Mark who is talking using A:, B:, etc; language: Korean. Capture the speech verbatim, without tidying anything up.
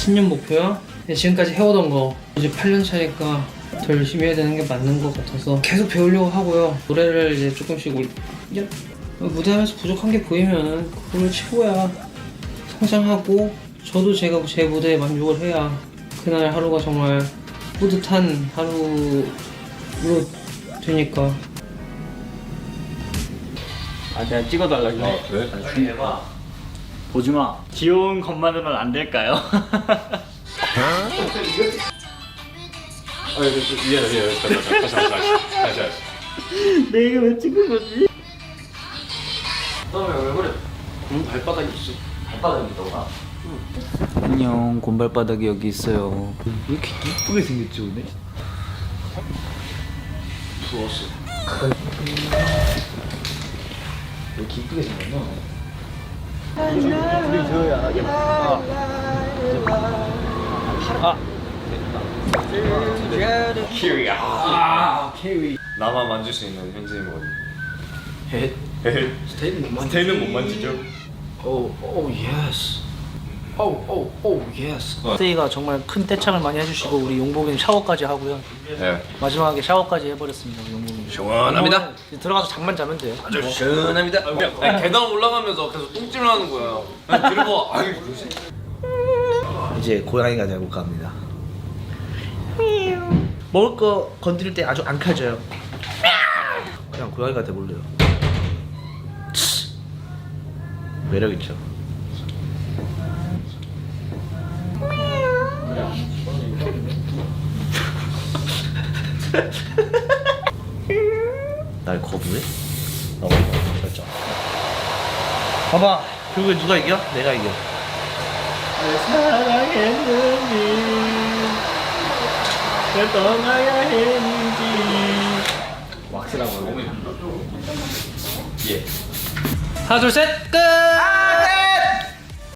A: 신년 목표요? 지금까지 해오던 거 이제 팔 년 차니까 더 열심히 해야 되는 게 맞는 것 같아서 계속 배우려고 하고요. 노래를 이제 조금씩 올... 야, 무대하면서 부족한 게 보이면 그걸 채워야 성장하고 저도 제가 제 무대에 만족을 해야 그날 하루가 정말 뿌듯한 하루로 되니까.
B: 아 내가 찍어달라고.
C: 아 그래?
B: 대박. 보지마. 귀여운 것만으로는 안 될까요?
C: 아 미안해 미안해 다시 다시 다시 다시 다시
B: 내가 왜 찍은 거지?
C: 너왜 왜 그래? 응 발바닥이 있어.
B: 발바닥이 있더라. 안녕, 곰발바닥이 여기 있어요. 왜 이렇게 이쁘게 생겼지 오늘?
C: 부었어.
B: 왜 이렇게 이쁘게 생겼나? 우리 저야 예쁘다. 아,
C: 키위.
B: 아, 케위.
C: 나만 만질 수 있는 현진이 머리.
B: 헷.
C: 스테이는 못 만지. 스테이는 못 만지죠?
B: 오, 오, 예스. 오, 오, 오, 예스. 스테이가 정말 큰 떼창을 많이 해주시고 우리 용복이는 샤워까지 하고요.
C: 네.
B: 마지막에 샤워까지 해버렸습니다, 우리 용복이.
C: 시원합니다.
B: 이제 들어가서 잠만 자면 돼요.
C: 아주 시원합니다. 아니, 계단 올라가면서 계속 똥질을 하는 거야. 그냥 들고 아유 뭐지?
D: 이제 고양이가 되고 갑니다. 먹을 거 건드릴 때 아주 안 칼져요. 그냥 고양이가 돼볼래요. 매력 있죠. 날 거부해? 어, 결정. 봐봐, 결국에 누가 이겨? 내가 이겨.
B: 사랑했는지 왜 떠나야 했는지.
C: 왁스라고 하고. 예.
A: 하나 둘 셋 끝!